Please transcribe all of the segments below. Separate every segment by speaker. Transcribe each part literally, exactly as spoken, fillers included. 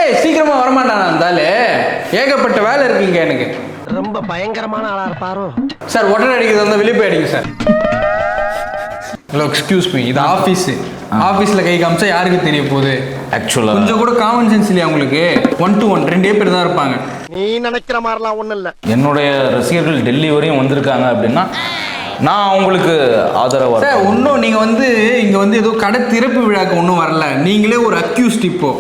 Speaker 1: டேய் சீக்கிரமா வரமாட்டானா இருந்தாலே ஏகப்பட்ட வேலை இருக்குங்க எனக்கு.
Speaker 2: ரொம்ப பயங்கரமான ஆளா இருப்பாரோ
Speaker 1: சார். ஒட்டரை அடிக்கிறது வந்து வெளியே போய் அடிங்க சார். ஹலோ எக்ஸ்கியூஸ் மீ, இது ஆஃபீஸ். ஆஃபீஸில் கை காமிச்சா யாருக்கு தெரிய போகுது?
Speaker 3: ஆக்சுவலாக
Speaker 1: கொஞ்சம் கூட காமன் சென்ஸ் இல்லையா உங்களுக்கு? ஒன் டு ஒன் ரெண்டே பேர் தான் இருப்பாங்க.
Speaker 2: நீ நினைக்கிற மாதிரிலாம் ஒன்றும் இல்லை.
Speaker 3: என்னுடைய ரசிகர்கள் டெல்லி வரையும் வந்திருக்காங்க அப்படின்னா நான் அவங்களுக்கு ஆதரவாக
Speaker 1: சார். ஒன்றும் நீங்கள் வந்து இங்கே வந்து ஏதோ கடை திறப்பு விழாக்கு ஒன்றும் வரல. நீங்களே ஒரு அக்யூஸ்ட். இப்போ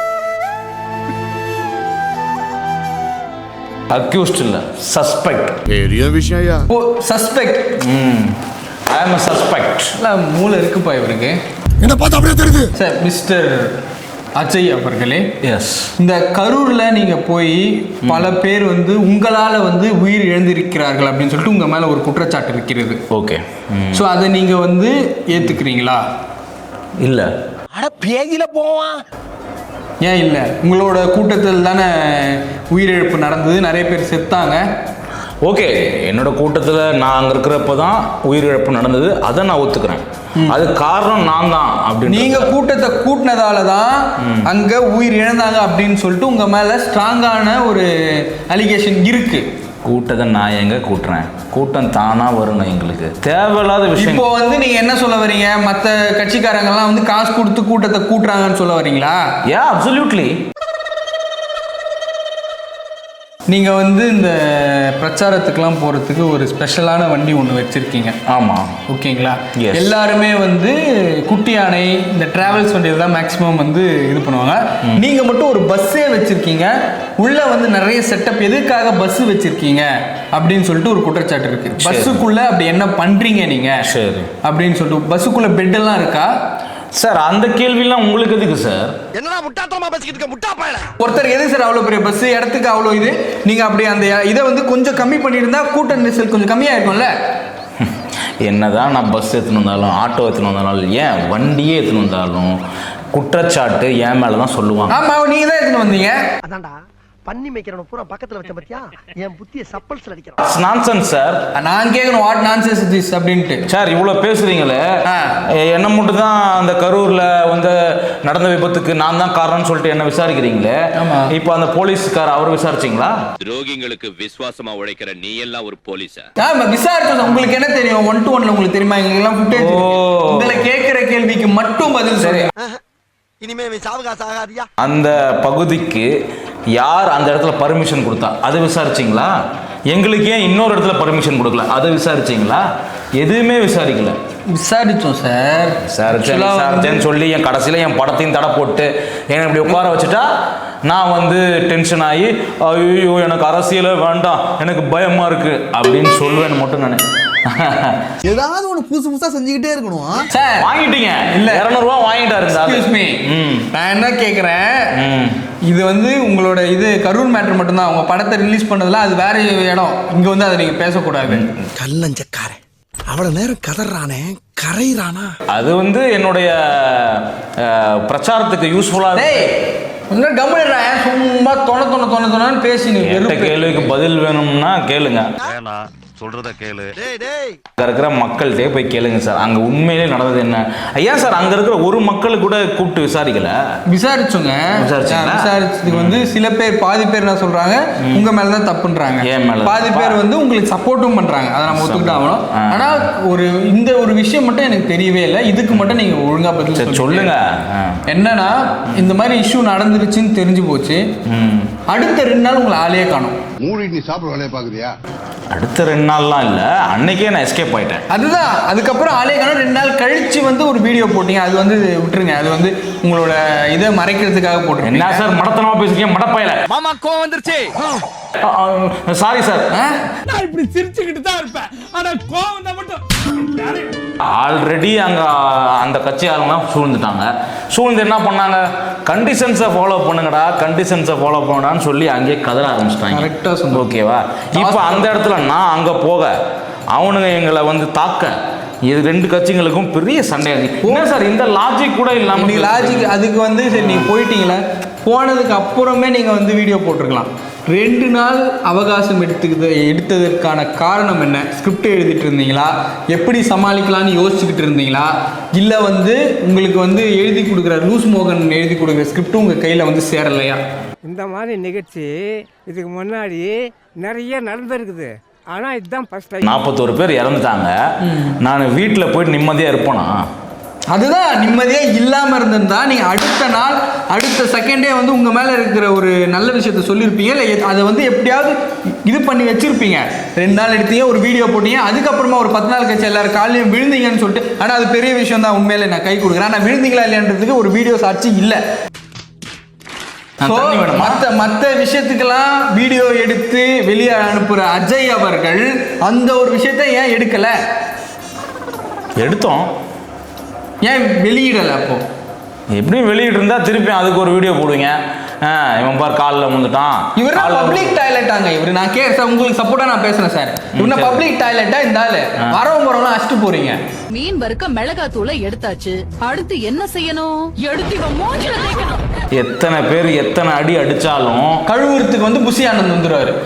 Speaker 3: அக்யூஸ்ட் இல்லை, சஸ்பெக்ட்.
Speaker 4: பெரிய விஷயம்.
Speaker 1: ஓ சஸ்பெக்ட்.
Speaker 3: ம் ஐ ஆம் அ சஸ்பெக்ட்.
Speaker 1: இல்லை மூளை இருக்குப்பா இவருக்கு.
Speaker 4: என்ன பார்த்தா அப்படியே தெரியுது
Speaker 1: சார். மிஸ்டர் அஜய் அவர்களே,
Speaker 3: எஸ்,
Speaker 1: இந்த கரூரில் நீங்கள் போய் பல பேர் வந்து உங்களால் வந்து உயிர் இழந்திருக்கிறார்கள் அப்படின்னு சொல்லிட்டு உங்கள் மேலே ஒரு குற்றச்சாட்டு இருக்கிறது.
Speaker 3: ஓகே.
Speaker 1: ஸோ அதை நீங்கள் வந்து ஏற்றுக்கிறீங்களா?
Speaker 3: இல்லை.
Speaker 2: அட பேஜில் போவான்.
Speaker 1: ஏன் இல்லை? உங்களோட கூட்டத்தில் தானே உயிரிழப்பு நடந்தது, நிறைய பேர் செத்தாங்க.
Speaker 3: ஓகே, என்னோட கூட்டத்தில் நான் அங்கே இருக்கிறப்ப தான் உயிரிழப்பு நடந்தது, அதை நான் ஒத்துக்கிறேன். அது காரணம் நான் தான் அப்படின்னு.
Speaker 1: நீங்க கூட்டத்தை கூட்டினதால தான் அங்க உயிர் இழந்தாங்க அப்படின்னு சொல்லிட்டு உங்க மேல ஸ்ட்ராங்கான ஒரு அலிகேஷன் இருக்கு.
Speaker 3: கூட்டத்தை நான் எங்க கூட்டுறேன்? கூட்டம் தானா வரணும். எங்களுக்கு தேவையில்லாத விஷயம்.
Speaker 1: இப்போ வந்து நீங்க என்ன சொல்ல வரீங்க? மற்ற கட்சிக்காரங்க எல்லாம் வந்து காசு கொடுத்து கூட்டத்தை கூட்டுறாங்கன்னு சொல்ல வரீங்களா?
Speaker 3: Yeah, absolutely.
Speaker 1: நீங்க வந்து இந்த பிரச்சாரத்துக்கெல்லாம் போறதுக்கு ஒரு ஸ்பெஷலான வண்டி ஒன்று வச்சிருக்கீங்க.
Speaker 3: ஆமா,
Speaker 1: ஓகேங்களா?
Speaker 3: Yes.
Speaker 1: எல்லாருமே வந்து குட்டி யானை இந்த டிராவல்ஸ் வண்டியில் தான் மேக்ஸிமம் வந்து இது பண்ணுவாங்க. நீங்க மட்டும் ஒரு பஸ்ஸே வச்சிருக்கீங்க. உள்ள வந்து நிறைய செட்டப். எதுக்காக பஸ் வச்சிருக்கீங்க அப்படின்னு சொல்லிட்டு ஒரு குற்றச்சாட்டு இருக்கு. பஸ்ஸுக்குள்ள அப்படி என்ன பண்றீங்க நீங்க
Speaker 3: சரி
Speaker 1: அப்படின்னு சொல்லிட்டு? பஸ்ஸுக்குள்ள பெட் எல்லாம் இருக்கா
Speaker 3: சார்? அந்த கேள்வியெல்லாம் உங்களுக்கு எதுக்கு சார்?
Speaker 2: என்னடா முட்டாத்தனமா பேசிக்கிட்டு இருக்க முட்டா பயல.
Speaker 1: ஒருத்தர் எது சார் அவ்வளோ பெரிய பஸ் இடத்துக்கு அவ்வளோ இது? நீங்க அப்படி அந்த இதை வந்து கொஞ்சம் கம்மி பண்ணியிருந்தா கூட்ட நெரிசல் கொஞ்சம் கம்மியா இருக்கும்ல.
Speaker 3: என்னதான் நான் பஸ் எடுத்துன்னு வந்தாலும் ஆட்டோ எடுத்துன்னு வந்தாலும் ஏன் வண்டியே எடுத்துன்னு வந்தாலும் குற்றச்சாட்டு என் மேலே தான் சொல்லுவாங்க.
Speaker 1: ஆமா, நீங்க தான் எடுத்துன்னு வந்தீங்க.
Speaker 2: அதான்டா பண்ணி மேய்க்கிறவன பூரா பக்கத்துல வச்ச பத்தியா என் புத்திய சப்பல்ஸ்ல அடிக்கிறான்.
Speaker 3: Nonsense sir.
Speaker 1: நான் கேட்கணும் வாட் நான்சென்ஸ் திஸ் அப்படின்ட்டு.
Speaker 3: சார் இவ்வளோ பேசுறீங்களே, என்ன மட்டும் தான் அந்த கரூர்ல வந்து நடந்த விபத்துக்கு நான் தான் காரணம்னு சொல்லிட்டு என்ன விசாரிக்கிறீங்களே. இப்போ அந்த போலீஸ்கார் அவர் விசாரிச்சிங்களா?
Speaker 5: துரோகிங்களுக்கு விசுவாசமா உழைக்கிற நீ எல்லாம் ஒரு போலீஸா?
Speaker 1: ஆமா விசாரிச்சோம். உங்களுக்கு என்ன தெரியும்? ஒன் டு ஒன்ல உங்களுக்கு தெரியுமா? எங்கெல்லாம் ஃபுட்டேஜ் உங்களை கேட்கிற கேள்விக்கு மட்டும் பதில் சரி.
Speaker 2: இனிமே சாவகாச ஆகாதியா?
Speaker 3: அந்த பகுதிக்கு யார் அந்த இடத்துல பர்மிஷன் கொடுத்தா அதை விசாரிச்சிங்களா? எங்களுக்கு ஏன் இன்னொரு இடத்துல பர்மிஷன் கொடுக்கல அதை விசாரிச்சிங்களா? எதுவுமே விசாரிக்கல.
Speaker 1: விசாரிச்சோம் சார்.
Speaker 3: விசாரிச்சேன் விசாரிச்சேன்னு சொல்லி என் கடைசியில் என் படத்தையும் தடை போட்டு என்னை இப்படி உட்கார வச்சுட்டா நான் வந்து டென்ஷன் ஆகி ஐயோ எனக்கு அரசியலே வேண்டாம், எனக்கு பயமா இருக்கு அப்படின்னு சொல்லுவேன் மட்டும் நான்.
Speaker 6: ஏதாவது ஒன்று புதுசு புதுசாக செஞ்சுக்கிட்டே இருக்கணும்
Speaker 1: சார்.
Speaker 3: வாங்கிட்டீங்க இல்ல இரநூறுவா வாங்கிட்டாரு.
Speaker 1: நான் என்ன கேட்குறேன், இது வந்து உங்களோட இது கரூர் மேட்டர் மட்டும்தான். உங்க படத்தை ரிலீஸ் பண்ணதுல அது வேற இடம். இங்க வந்து அதை நீங்க பேசக்கூடாது.
Speaker 6: கல்லஞ்சக்காரன் அவ்வளவு நேரம் கதறானே கரைறானா?
Speaker 3: அது வந்து என்னுடைய பிரச்சாரத்துக்கு யூஸ்ஃபுல்லா.
Speaker 1: கம்முடா சும்மா தொண தொண தொண தொணன்னு பேசி
Speaker 3: கேள்விக்கு பதில் வேணும்னா கேளுங்க.
Speaker 4: சொல்றத கேளு.
Speaker 3: அங்க இருக்கிற மக்கள்கிட்டே போய் கேளுங்க சார், அங்க உண்மையிலே நடந்தது என்ன. ஐயா சார், அங்க இருக்கிற ஒரு மக்கள் கூட கூப்பிட்டு விசாரிக்கல.
Speaker 1: விசாரிச்சோங்க. விசாரிச்சதுக்கு வந்து சில பேர் பாதி பேர் என்ன சொல்றாங்க, உங்க மேலதான் தப்புன்றாங்க. பாதி பேர் வந்து உங்களுக்கு சப்போர்ட்டும் பண்றாங்க. அதை நம்ம ஒத்துக்கிட்டு ஆகணும். ஆனா ஒரு இந்த ஒரு விஷயம் மட்டும் எனக்கு தெரியவே இல்லை. இதுக்கு மட்டும் நீங்க ஒழுங்கா பதில்
Speaker 3: சொல்லுங்க.
Speaker 1: என்னன்னா இந்த மாதிரி இஷ்யூ நடந்துருச்சுன்னு தெரிஞ்சு போச்சு. அடுத்த ரெண்டு நாள் உங்களை ஆளையே காணும்.
Speaker 4: மூடி நீ சாப்பிட வேலையை பாக்குறியா?
Speaker 3: அடுத்த ரெண்டு நாள்லாம் இல்ல, அன்னைக்கே நான் எஸ்கேப் ஆயிட்டேன்.
Speaker 1: அதுதான். அதுக்கப்புறம் ஆளே காணும். ரெண்டு நாள் கழிச்சு வந்து ஒரு வீடியோ போட்டீங்க. அது வந்து விட்டுருங்க. அது வந்து உங்களோட இதை மறைக்கிறதுக்காக போட்டுருங்க.
Speaker 3: என்ன சார் மடத்தனமா பேசுறீங்க? மடப்பையில
Speaker 2: மாமா கோவம் வந்துருச்சு.
Speaker 3: Sorry sir.
Speaker 7: நான் இப்படி சிரிச்சுக்கிட்டு தான் இருப்பேன். ஆனா கோவம் தான் மட்டும்.
Speaker 3: ஆல்ரெடி அங்க அந்த கட்சி ஆளுங்கலாம் சூழ்ந்துட்டாங்க. சூழ்ந்து என்ன பண்ணாங்க, கண்டிஷன்ஸை ஃபாலோ பண்ணுங்கடா, கண்டிஷன்ஸை ஃபாலோ பண்ணடான்னு சொல்லி அங்கேயே கதற ஆரம்பிச்சிட்டாங்க.
Speaker 1: கரெக்டாக சொன்னோம்.
Speaker 3: ஓகேவா? இப்போ அந்த இடத்துல நான் அங்கே போக அவனுங்க எங்களை வந்து தாக்க, இது ரெண்டு கட்சிகளுக்கும் பெரிய சண்டை. என்ன சார் இந்த லாஜிக் கூட இல்லாமல்?
Speaker 1: நீங்கள் லாஜிக் அதுக்கு வந்து சரி நீங்கள் போயிட்டீங்களா? போனதுக்கு அப்புறமே நீங்கள் வந்து வீடியோ போட்டிருக்கலாம். ரெண்டு நாள் அவகாசம் எடுத்துக்கிது எடுத்ததற்கான காரணம் என்ன? ஸ்கிரிப்ட் எழுதிட்டு இருந்தீங்களா? எப்படி சமாளிக்கலான்னு யோசிச்சுக்கிட்டு இருந்தீங்களா? இல்லை வந்து உங்களுக்கு வந்து எழுதி கொடுக்குற லூஸ் மோகன் எழுதி கொடுக்குற ஸ்கிரிப்டும் உங்கள் கையில் வந்து சேரலையா?
Speaker 8: இந்த மாதிரி நிகழ்ச்சி இதுக்கு முன்னாடி நிறைய நடந்திருக்குது. ஆனால் இதுதான் ஃபர்ஸ்ட் டைம்.
Speaker 3: நாற்பத்தோரு பேர் இறந்துட்டாங்க. நான் வீட்டில் போயிட்டு நிம்மதியாக இருப்பேனா?
Speaker 1: அதுதான் நிம்மதியாக இல்லாமல் இருந்திருந்தா நீங்கள் அடுத்த நாள் அடுத்த செகண்டே வந்து உங்கள் மேலே இருக்கிற ஒரு நல்ல விஷயத்த சொல்லியிருப்பீங்க. இல்லை அதை வந்து எப்படியாவது இது பண்ணி வச்சுருப்பீங்க. ரெண்டு நாள் எடுத்தீங்க, ஒரு வீடியோ போட்டீங்க, அதுக்கப்புறமா ஒரு பத்து நாள் கழிச்சு எல்லாரும் காலையும் விழுந்தீங்கன்னு சொல்லிட்டு. ஆனால் அது பெரிய விஷயம் தான், உண்மையிலே நான் கை கொடுக்குறேன். ஆனால் விழுந்தீங்களா இல்லைன்றதுக்கு ஒரு வீடியோ சாட்சி இல்லை. மற்ற மற்ற விஷயத்துக்கெல்லாம் வீடியோ எடுத்து வெளியே அனுப்புகிற அஜய் அவர்கள் அந்த ஒரு விஷயத்த ஏன் எடுக்கலை?
Speaker 3: எடுத்தோம்,
Speaker 1: ஏன் வெளியிடலை? அப்போ
Speaker 3: எப்படியும் வெளியிட்டு இருந்தா திருப்பி அதுக்கு ஒரு வீடியோ போடுவீங்க. இவன் பார் காலில் வந்துட்டான்.
Speaker 1: இவரு பப்ளிக் டாய்லெட்டாங்க இவரு. நான் கே சார் உங்களுக்கு சப்போர்ட்டா நான் பேசுறேன் சார். இவன பப்ளிக் டாய்லெட்டா இந்த ஆளு வரவங்க வரவங்க அடிச்சுட்டு போறீங்க.
Speaker 9: மீன் வறுக்க மிளகா தூளை எடுத்தாச்சு, அடுத்து என்ன செய்யணும்? எடுத்து இவன் மூஞ்சில தேய்க்கணும்.
Speaker 3: எத்தனை பேர் எத்தனை அடி அடிச்சாலும்
Speaker 1: கழுவுறதுக்கு வந்து புசி ஆனந்த் வந்துருவாரு.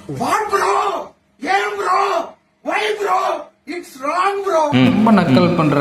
Speaker 1: ரொம்ப நக்கல் பண்ற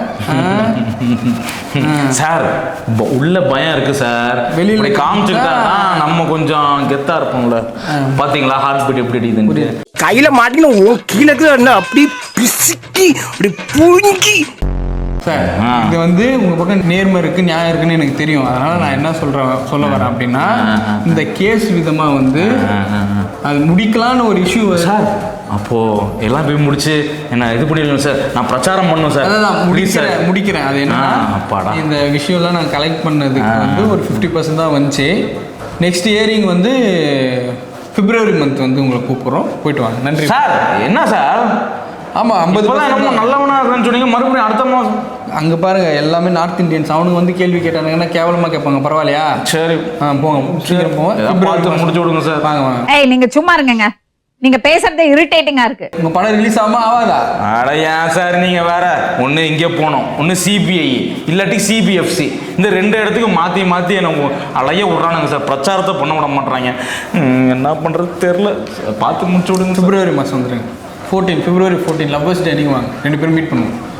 Speaker 3: சார். உள்ள பயம் இருக்கு சார். வெளியில காமிச்சுட்டா நம்ம கொஞ்சம் கெத்தா இருப்போம்ல. பாத்தீங்களா ஹார்ட் பீட் எப்படி அடிக்குதுன்னு?
Speaker 8: கையில மாட்டின கீழே அப்படி பிசுக்கி அப்படி புழுங்கி.
Speaker 1: சார் இது வந்து உங்க பக்கம் நேர்மை இருக்கு, நியாயம் இருக்குன்னு எனக்கு தெரியும். அதனால நான் என்ன சொல்றேன் சொல்ல வரேன் அப்படின்னா, இந்த கேஸ் விதமா வந்து அது முடிக்கலான்னு ஒரு இஷ்யூ சார்.
Speaker 3: அப்போ எல்லாம் போய் முடிச்சு என்ன இது பண்ணிடலாம் சார். நான் பிரச்சாரம் பண்ணும் சார்.
Speaker 1: அதான் முடிக்கிறேன் முடிக்கிறேன் அது என்ன
Speaker 3: அப்பாடா,
Speaker 1: இந்த விஷயம்லாம் நான் கலெக்ட் பண்ணதுக்கு வந்து ஒரு ஃபிஃப்டி பர்சன்ட் தான் வந்துச்சு. நெக்ஸ்ட் இயரிங் வந்து பிப்ரவரி மந்த் வந்து உங்களை கூப்பிட்றோம், போயிட்டு வாங்க. நன்றி
Speaker 3: சார். என்ன சார்?
Speaker 1: ஆமாம், ஐம்பது
Speaker 3: நம்ம நல்லவனா இருக்குன்னு சொன்னீங்க, மறுபடியும் அடுத்த மாதம்
Speaker 1: அங்கே பாருங்க எல்லாமே நார்த் இந்தியன்ஸ். அவனுக்கு வந்து கேள்வி கேட்டானுங்கன்னா கேவலமாக கேட்பாங்க. பரவாயில்லையா?
Speaker 3: சரி
Speaker 1: ஆ போங்க, சீக்கிரம் போங்க,
Speaker 3: முடிச்சு விடுங்க சார்.
Speaker 1: வாங்க வாங்க.
Speaker 10: ஏய் நீங்க சும்மா இருங்கங்க, நீங்க பேசுறதே இரிட்டேட்டிங்கா இருக்கு.
Speaker 1: உங்க படம் ரிலீஸ் ஆகாம ஆகாதா?
Speaker 3: அட ஏன் சார் நீங்க வேற. ஒன்று இங்கே போனோம், ஒன்று சிபிஐ, இல்லாட்டி சிபிஎஃப்சி. இந்த ரெண்டு இடத்துக்கு மாற்றி மாற்றி எனக்கு அலைய விட்றானுங்க சார். பிரச்சாரத்தை பண்ண விட மாட்டாங்க. என்ன பண்ணுறது தெரில. பார்த்து முடிச்சு விடுங்க.
Speaker 1: பிப்ரவரி மாதம் வந்துடுங்க. Fourteen February fourteen lovers day. நீங்கள் வாங்க, ரெண்டு பேரும் மீட் பண்ணுவோம்.